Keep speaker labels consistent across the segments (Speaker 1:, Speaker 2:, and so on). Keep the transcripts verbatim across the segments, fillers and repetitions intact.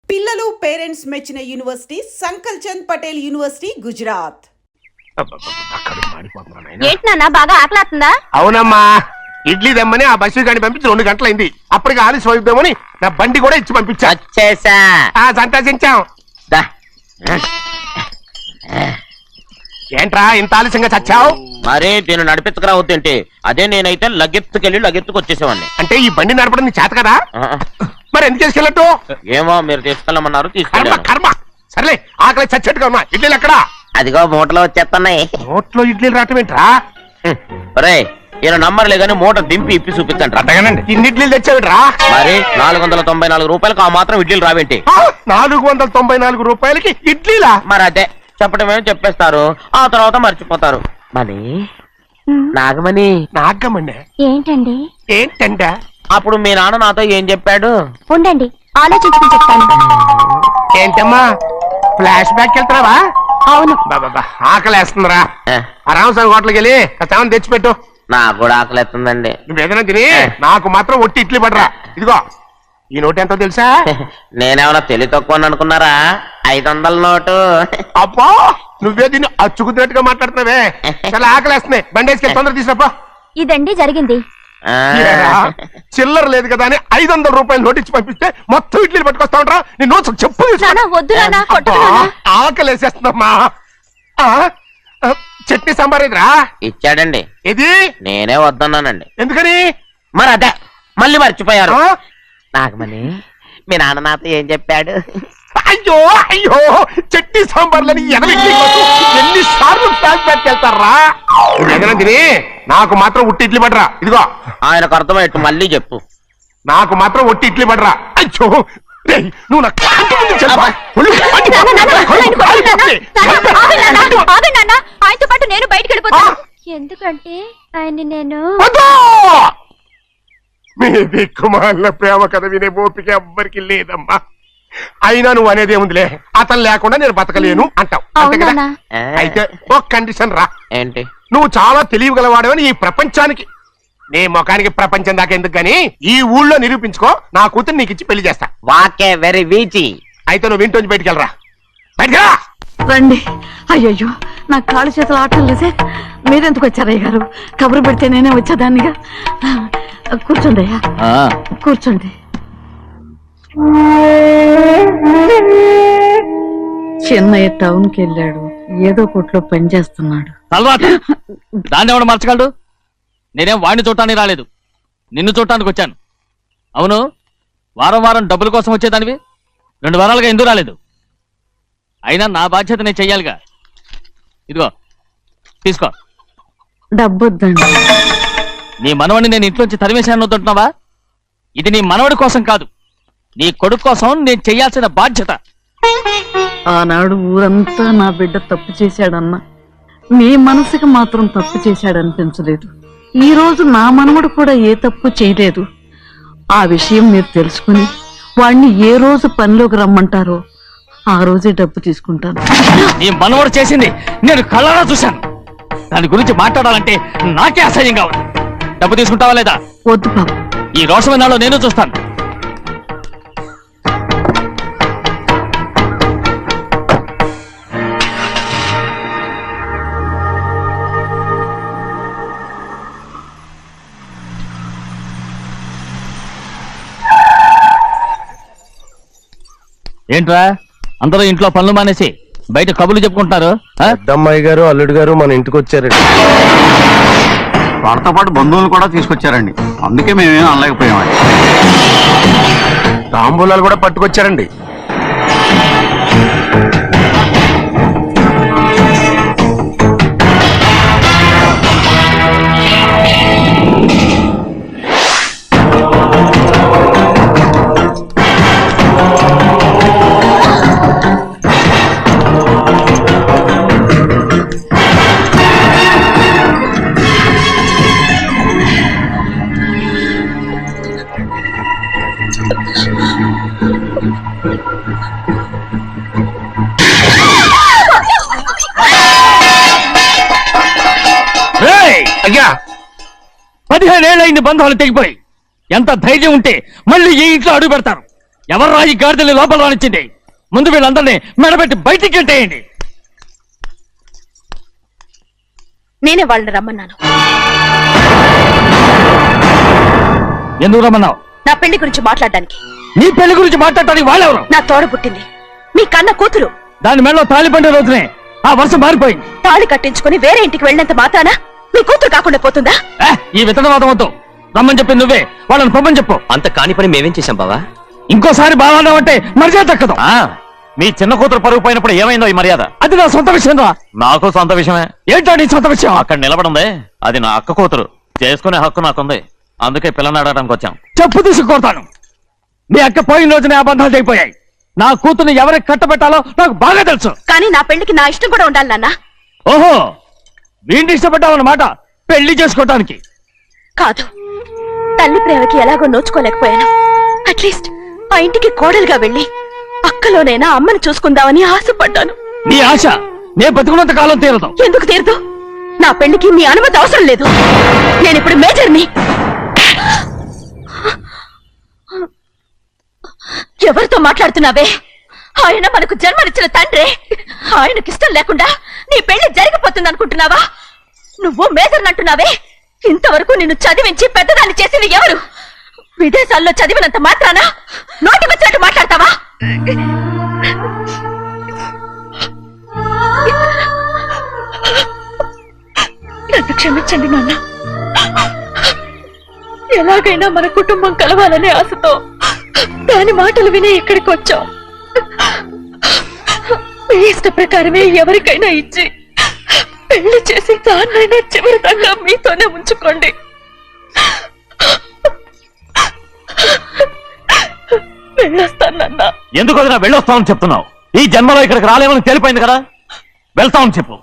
Speaker 1: పిల్లలు పేరెంట్స్ మెచ్చిన university Sankalchand Patel university Gujarat.
Speaker 2: ఏంటన్నా బాగా ఆకలాతుందా?
Speaker 3: అవునమ్మా, ఇడ్లీ దమ్మని ఆ బస్సు గాని పంపించి రెండు గంటలైంది. అప్పటికి ఆలస్యం అవుతామని నా బండి కూడా ఇచ్చి పంపించా.
Speaker 4: వచ్చేసా.
Speaker 3: సంతోషించాం. ఏంట్రా ఇంత ఆలస్యంగా చచ్చావు?
Speaker 4: మరే దీన్ని నడిపించకరావద్దేంటి? అదే నేనైతే లగెత్తుకెళ్ళి లగెత్తుకు వచ్చేసేవాడిని.
Speaker 3: అంటే ఈ బండి నడపడం నీ చేత కదా? మరి ఎందుకు తీసుకెళ్ళట్టు?
Speaker 4: ఏమో మీరు తీసుకెళ్ళమన్నారు,
Speaker 3: కర్మ
Speaker 4: తీసుకెళ్ళాను.
Speaker 3: కర్మ. సర్లే, ఆకలి చచ్చేట్టుగా ఉన్నా. ఇడ్లీలు ఎక్కడా?
Speaker 4: అదిగో మూటలో వచ్చేస్తున్నాయి.
Speaker 3: నోట్లో ఇడ్లీలు రావటం ఏంట్రా?
Speaker 4: రే ఈయన నంబర్లే గానీ మూట దింపి ఇప్పి చూపించండి.
Speaker 3: అట్టగానండి. ఇన్ని ఇడ్లీలు తెచ్చావిడ్రా?
Speaker 4: మరి నాలుగు వందల తొంభై నాలుగు రూపాయలకు ఆ మాత్రం ఇడ్లీలు రావేంటి?
Speaker 3: నాలుగు వందల తొంభై నాలుగు రూపాయలకి ఇడ్లీలా?
Speaker 4: మరి అదే చెప్పడం ఏమో చెప్పేస్తారు, ఆ తర్వాత మర్చిపోతారు. మనీ నాగమణి
Speaker 3: నాగమండి
Speaker 2: ఏంటండి?
Speaker 3: ఏంటంట?
Speaker 4: అప్పుడు మీ నాన్న నాతో ఏం చెప్పాడు?
Speaker 2: ఉండండి ఆలోచించుకుని చెప్తాను.
Speaker 3: ఏంటమ్మా ఫ్లాష్ బ్యాక్ వెళ్తున్నావా?
Speaker 2: అవును.
Speaker 3: బాబా ఆకలేస్తుందిరా. రామస్వామి హోటల్కి వెళ్ళి చావని తెచ్చిపెట్టు.
Speaker 4: నాకు కూడా ఆకలిస్తుందండి.
Speaker 3: నువ్వు ఏదైనా తిని నాకు మాత్రం ఒట్టి ఇడ్లీ పడరా. ఇదిగో ఈ నోటు ఎంతో తెలుసా?
Speaker 4: నేనేమన్నా తెలివి తక్కువ అనుకున్నారా? ఐదు వందల నోటు.
Speaker 3: అబ్బా నువ్వే దీన్ని అచ్చుకుతున్నట్టుగా మాట్లాడుతున్నావే. చాలా ఆకలేస్తున్నాయి. బండేసుకెళ్ళి తొందర తీసినప్పా.
Speaker 2: ఇదండి జరిగింది.
Speaker 3: చిల్లర లేదు కదా అని ఐదు వందల రూపాయలు నోటిచ్చి పంపిస్తే మొత్తం ఇడ్లీలు పట్టుకొస్తా ఉంటా. నీ నోట్స్ చెప్పు. ఆకలేసేస్తుందమ్మా. చట్నీ సాంబార్ ఇదిరా.
Speaker 4: ఇచ్చాడండి.
Speaker 3: ఇది
Speaker 4: నేనే వద్దన్నానండి.
Speaker 3: ఎందుకని?
Speaker 4: మరి అదే మళ్ళీ మర్చిపోయారు. నాగమణి మీ నాన్న నాతో ఏం చెప్పాడు?
Speaker 3: అయ్యో అయ్యో చట్నీ సాంబార్లని ఎన్ని సార్లు ప్యాక్ పెట్టుకెళ్తారా? తిని నాకు మాత్రం ఉట్టి ఇడ్లీ పడరా. ఇదిగో
Speaker 4: ఆయనకు అర్థమయ్యట్టు మళ్ళీ చెప్పు.
Speaker 3: నాకు మాత్రం ఒట్టి ఇడ్లీ పడరా. అయ్యో నువ్వు
Speaker 2: ఆయనతో పాటు నేను బయటకు వెళ్ళిపోతాను. ఎందుకంటే ఆయన నేను
Speaker 3: మీ దిక్కుమాల ప్రేమ కథ వినే ఓపిక ఎవ్వరికి లేదమ్మా. అయినా నువ్వు అనేది ఏముందిలే, అతను లేకుండా నేను బతకలేను అంటావు అంతే కదా? అయితే ఒక కండిషన్ రా.
Speaker 4: ఏంటి?
Speaker 3: నువ్వు చాలా తెలియగలవాడవని ఈ ప్రపంచానికి, నీ ముఖానికి ప్రపంచం దాకా ఎందుకు గాని ఈ ఊళ్ళో నిరూపించుకో. నా కూతురు నీకు ఇచ్చి పెళ్లి చేస్తా.
Speaker 4: వాకే వెరీ వీచి.
Speaker 3: అయితే నువ్వు ఇంటి నుంచి బయటికి వెళ్ళరా. బయటకెళ్ళా
Speaker 5: రండి. అయ్యయ్యో నా కాళ్ళు చేతులు ఆటలు లేసే. మీరెందుకు వచ్చారయ్య గారు? కబురు పెడితే నేనే వచ్చేదాన్నిగా. కూర్చోండి అయ్యా, కూర్చోండి. చిన్నయ్య టౌన్ కి వెళ్ళాడు, ఏదో కొట్లో పని చేస్తున్నాడు.
Speaker 6: దాన్ని ఎవడు మార్చగలడు? నేనేం వాడిని చూడటానికి రాలేదు, నిన్ను చూడటానికి వచ్చాను. అవును, వారం వారం డబ్బుల కోసం వచ్చేదానివి రెండు వారాలుగా ఎందుకు రాలేదు? అయినా నా బాధ్యత నేను చెయ్యాలిగా. ఇదిగో తీసుకో.
Speaker 5: డబ్బొద్దండి.
Speaker 6: నీ మనవడిని నేను ఇంట్లోంచి తరిమేశాను వద్దంటున్నావా? ఇది నీ మనవడి కోసం కాదు, నీ కొడుకు కోసం నేను చెయ్యాల్సిన బాధ్యత.
Speaker 5: ఆనాడు ఊరంతా నా బిడ్డ తప్పు చేశాడన్నా, మీ మనసుకి మాత్రం తప్పు చేశాడనిపించలేదు. ఈ రోజు నా మనవడు కూడా ఏ తప్పు చేయలేదు. ఆ విషయం మీరు తెలుసుకుని వాణ్ణి ఏ రోజు పనిలోకి రమ్మంటారో ఆ రోజే డబ్బు తీసుకుంటాను.
Speaker 6: నీ మనవడు చేసింది నేను కళ్ళారా చూశాను. దాని గురించి మాట్లాడాలంటే నాకే అసహ్యంగా ఉంది. డబ్బు తీసుకుంటావా లేదా?
Speaker 5: వద్దు బాబు.
Speaker 6: ఈ రోషమైన నాలో నేను చూస్తాను. ఏంట్రా అందరూ ఇంట్లో పనులు మానేసి బయట కబుర్లు చెప్పుకుంటున్నారు?
Speaker 3: పెద్దమ్మాయి గారు అల్లుడు గారు మన ఇంటికి వచ్చారండి.
Speaker 7: వాళ్ళతో పాటు బంధువులు కూడా తీసుకొచ్చారండి, అందుకే మేమేం అనలేకపోయామండి.
Speaker 3: తాంబూలాలు కూడా పట్టుకొచ్చారండి. అయ్యా
Speaker 6: పదిహేనేళ్ళయింది బంధాలు తెగిపోయి. ఎంత ధైర్యం ఉంటే మళ్ళీ ఈ ఇంట్లో అడుగు పెడతారు? ఎవరు ఈ గాడిదల్ని లోపల రానిచ్చింది? ముందు వీళ్ళందరినీ మెడబెట్టి బయటికి గెంటేయండి.
Speaker 2: నేనే వాళ్ళని రమ్మన్నాను.
Speaker 6: ఎందుకు రమ్మన్నావు?
Speaker 2: నా పెళ్లి గురించి మాట్లాడడానికి.
Speaker 6: నీ పెళ్లి గురించి మాట్లాడటానికి వాళ్ళెవరు?
Speaker 2: నా తోడ పుట్టింది మీ కన్న కూతురు.
Speaker 6: దాని మెడలో తాళి పండే రోజునే ఆ వర్షం మారిపోయింది.
Speaker 2: తాళి కట్టించుకుని వేరే ఇంటికి వెళ్ళినంత మాత్రాన మీ కూతురు కాకుండా పోతుందా?
Speaker 6: ఏ, ఈ విత్తనవాదం వద్దు. రమ్మని చెప్పి నువ్వే వాళ్ళని పొమ్మని చెప్పు.
Speaker 8: అంత కాని పని మేమేం చేశాం బావా?
Speaker 6: ఇంకోసారి బాగా అంటే మర్యాద దక్కదు.
Speaker 4: మీ చిన్న కూతురు పరుగు పోయినప్పుడు ఏమైందో ఈ మర్యాద?
Speaker 6: అది నా సొంత విషయం రా.
Speaker 4: నాకు సొంత విషయమే.
Speaker 6: ఏంటో నీ సొంత విషయం?
Speaker 4: అక్కడ నిలబడిందే అది నా అక్క కూతురు. చేసుకునే హక్కు నాకుంది. అందుకే పిల్లని అడగడానికి వచ్చాం.
Speaker 6: చెప్పు తీసుకొడతాను. మీ అక్క పోయిన రోజునే అబద్ధాలు అయిపోయాయి. నా కూతుర్ని ఎవరికి కట్టబెట్టాలో నాకు బాగా తెలుసు.
Speaker 2: కానీ నా పెళ్లికి నా ఇష్టం కూడా ఉండాలి నాన్న.
Speaker 6: ఓహో, వీడిని ఇష్టపడ్డావన్నమాట పెళ్లి చేసుకోవటానికి.
Speaker 2: కాదు, తల్లి ప్రేమకి ఎలాగో నోచుకోలేకపోయాను. అట్లీస్ట్ ఆ ఇంటికి కోడలుగా వెళ్ళి అక్కలోనైనా అమ్మని చూసుకుందామని ఆశపడ్డాను.
Speaker 6: నీ ఆశ నే బతుకున్నంత కాలం తీరదు.
Speaker 2: ఎందుకు తీరదు? నా పెళ్లికి మీ అనుమతి అవసరం లేదు. నేను ఇప్పుడు మేజర్ని. ఎవరితో మాట్లాడుతున్నావే? ఆయన మనకు జన్మనిచ్చిన తండ్రి. ఆయనకిష్టం లేకుండా నీ పెళ్లి జరిగిపోతుంది అనుకుంటున్నావా? నువ్వు మేజర్ అంటున్నావే. ఇంతవరకు నిన్ను చదివించి పెద్దదాన్ని చేసింది ఎవరు? విదేశాల్లో చదివినంత మాత్రాన నోటికి వచ్చినట్టు మాట్లాడతావా? నన్ను క్షమించండి నాన్న. ఎలాగైనా మన కుటుంబం కలవాలనే ఆశతో దాని మాటలు విని ఇక్కడికి వచ్చాం. మీ ఇష్ట ప్రకారమే ఎవరికైనా ఇచ్చి పెళ్లి చేసి దాన్నైనా చివరి దాకా మీతోనే ఉంచుకోండి. వెళ్ళొస్తానన్నా.
Speaker 4: ఎందుకు వదినా వెళ్ళొస్తామని చెప్తున్నావు? ఈ జన్మలో ఇక్కడికి రాలేమని తెలిపోయింది కదా. వెళ్తామని చెప్పు.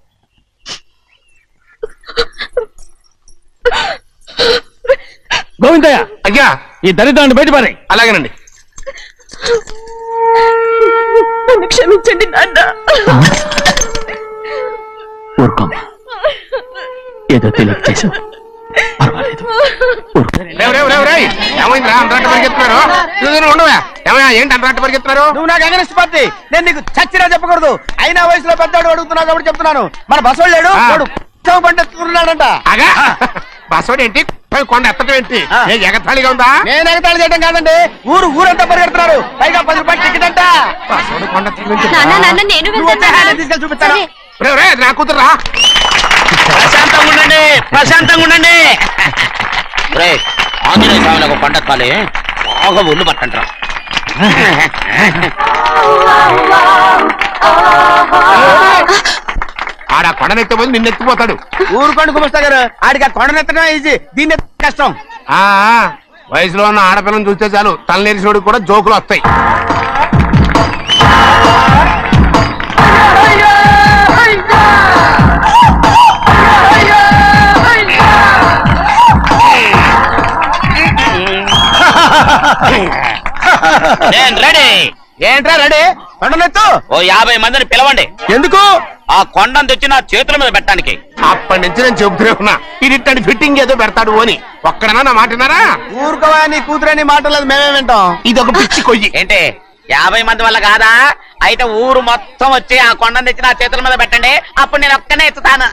Speaker 6: గోవిందయ్య,
Speaker 3: అయ్యా
Speaker 6: ఈ దరిద్రాన్ని బయటపడే.
Speaker 3: అలాగేనండి.
Speaker 2: నన్ను క్షమించండి నాన్న.
Speaker 8: ఊరుకోమ్మా, ఏదో తెలియక చేసావు, పర్వాలేదు.
Speaker 3: రేవ్ రేవ్ రేవ్ రేయ్, ఏమైందిరా అంతరాట పరిగెత్తున్నారు? చూడు ఉండవా? ఏమయ్యా ఏంటి అంతరాట పరిగెత్తున్నారు?
Speaker 9: నువ్వు నాకు అగనిస్ట్ పార్టీ. నేను నీకు చచ్చిరా చెప్పకూడదు. అయినా వయసులో పెద్దవాడు అడుగుతున్నావు కాబట్టి చెప్తున్నాను. మన బసోడు లేడు, వాడు పండిస్తున్నాడంట.
Speaker 3: అగా బస్సోడు ఏంటి? కొండ ఎత్తడం ఏంటి? ఏ ఎగతాళిగా ఉందా?
Speaker 9: నేను ఎగతాళి చేయడం కాదండి, ఊరు ఊరంతా పరిగెడుతున్నారు. పైగా పది రూపాయలు టికెట్ అంట.
Speaker 3: బస్సోడు కొండ
Speaker 2: నాన్న నాన్న నేను
Speaker 9: నువ్వు వస్తే నేను తీసుకెళ్ళి చూపిస్తాను.
Speaker 3: రేవ్ రే నా కూతురా.
Speaker 4: ప్రశాంతంగా ఉండండి, ప్రశాంతంగా ఉండండి. ఆంజనేయ స్వామిని ఒక పంట కాలే బాగా ఒళ్ళు పట్టంటారా.
Speaker 3: ఆడ కొండనెత్తిపోయి నిన్నెత్తిపోతాడు.
Speaker 9: ఊరుకోండి కుమస్తా గారు, ఆడికి ఆ కొండనెత్తడం ఈజీ, దీన్ని కష్టం.
Speaker 3: ఆ వయసులో ఉన్న ఆడపిల్లని చూస్తే చాలు తలనేరిసినోడికి కూడా జోకులు వస్తాయి.
Speaker 4: నేను రెడీ.
Speaker 9: ఏంట్రా రెడీ? కొండనెత్తు.
Speaker 4: ఓ యాభై మందిని పిలవండి.
Speaker 9: ఎందుకు?
Speaker 4: ఆ కొండను తెచ్చి నా చేతుల మీద పెట్టడానికి.
Speaker 3: అప్పటి నుంచి నేను చెబుతూనే ఉన్నా ఇది ఫిట్టింగ్ ఏదో పెడతాడు అని. ఒక్కడనా నా మాటనారా?
Speaker 9: ఊరుకోవా, నీ కూతురని మాటలేదు, మేమే వింటాం.
Speaker 3: ఇది ఒక పిచ్చి కొయ్యి.
Speaker 4: ఏంటి యాభై మంది వల్ల కాదా? అయితే ఊరు మొత్తం వచ్చి ఆ కొండను తెచ్చి నా చేతుల మీద పెట్టండి. అప్పుడు నేను ఒక్కనే ఎత్తుతాను.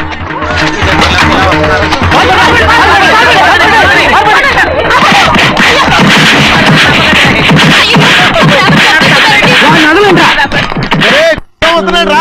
Speaker 9: అవుతున్నాడు రా.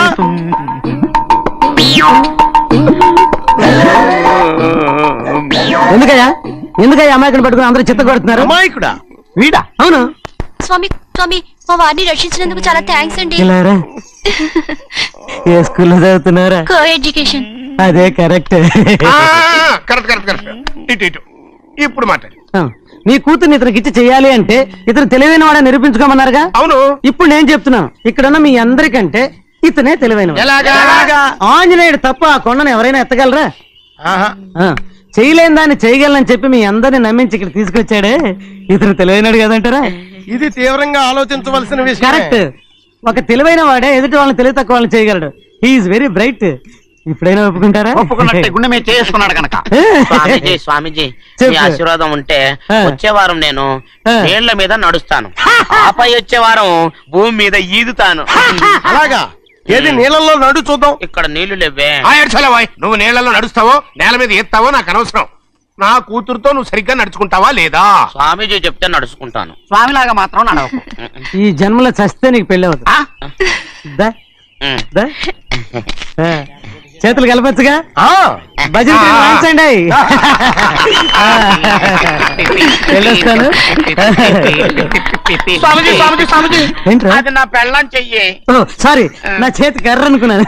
Speaker 10: ఎందుకయ్యా ఎందుకయ్యా అమాయకుని పట్టుకుని అందరూ చిత్త కొడుతున్నారు?
Speaker 9: అమాయకుడా వీడా?
Speaker 10: అవును.
Speaker 2: స్వామి స్వామి మా వారిని రక్షించినందుకు చాలా థ్యాంక్స్ అండి.
Speaker 10: ఇలారా ఏ స్కూల్లో చదువుతున్నారా?
Speaker 2: Co education.
Speaker 10: అదే కరెక్ట్.
Speaker 3: Correct correct correct. ఇటు ఇటు ఇప్పుడు మాట్లాడు.
Speaker 10: నీ కూతుర్ని ఇతనికి ఇచ్చి చెయ్యాలి అంటే ఇతను తెలివైన వాడని నిరూపించుకోమన్నారుగా.
Speaker 3: అవును.
Speaker 10: ఇప్పుడు నేను చెప్తున్నాను, ఇక్కడున్న మీ అందరికంటే ఇతనే తెలివైన.
Speaker 3: ఎలాగా?
Speaker 10: ఆంజనేయుడు తప్ప ఆ కొండను ఎవరైనా ఎత్తగలరా? ఆ, చేయలేని దాన్ని చేయగలనని చెప్పి మీ అందరిని నమ్మించి ఇక్కడ తీసుకొచ్చాడే ఇతను తెలివైనడు కదంటారా?
Speaker 9: ఇది తీవ్రంగా ఆలోచించవలసిన విషయం.
Speaker 10: కరెక్ట్. ఒక తెలివైన వాడే ఎదుటి వాళ్ళని తెలివి తక్కువ వాళ్ళని చేయగలడు. He's very bright. ఇప్పుడైనా ఒప్పుకుంటారా?
Speaker 4: ఒప్పుకున్నట్టే గుండె మీద చేసుకున్నాడు కనుక. స్వామీజీ స్వామీజీ
Speaker 10: చెప్పు.
Speaker 4: మీ ఆశీర్వాదం ఉంటే
Speaker 10: ఆ.
Speaker 4: వచ్చే వారం నేను
Speaker 10: ఆ.
Speaker 4: నీళ్ల మీద నడుస్తాను, ఆపై వచ్చే వారం భూమి మీద ఈదుతాను.
Speaker 3: అలాగా? ఏది నీళ్ళల్లో నడు చూద్దాం.
Speaker 4: ఇక్కడ నీళ్లు లేవే.
Speaker 3: ఆ ఏడ్చాలా వాయ్, నువ్వు నీళ్ళలో నడుస్తావో నేల మీద ఎత్తావో నాకు అనవసరం. నా కూతురుతో నువ్వు సరిగ్గా నడుచుకుంటావా లేదా?
Speaker 4: స్వామీజీ చెప్తే నడుచుకుంటాను.
Speaker 9: స్వామిలాగా మాత్రం నడవకు.
Speaker 10: ఈ జన్మలో చస్తే నీకు పెళ్ళి అవుతుంది.
Speaker 9: ఆ?
Speaker 10: దా,
Speaker 4: ఉమ్.
Speaker 10: దా. ఆ, చేతులు కలపచ్చుగా?
Speaker 3: ఆ,
Speaker 10: భజన తీరు వాయించండి. ఆ, వెళ్ళొస్తాను.
Speaker 4: స్వామీజీ స్వామీజీ స్వామీజీ
Speaker 10: ఏంట్రా?
Speaker 4: అది నా పెళ్ళం చెయ్యి.
Speaker 10: ఓ సారీ, నా చేతి కర్ర అనుకున్నాను.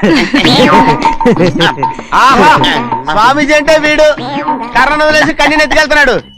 Speaker 9: ఆహా, స్వామీజీ అంటే వీడు కర్రను వదిలేసి కన్నీ నెత్తికెళ్తున్నాడు.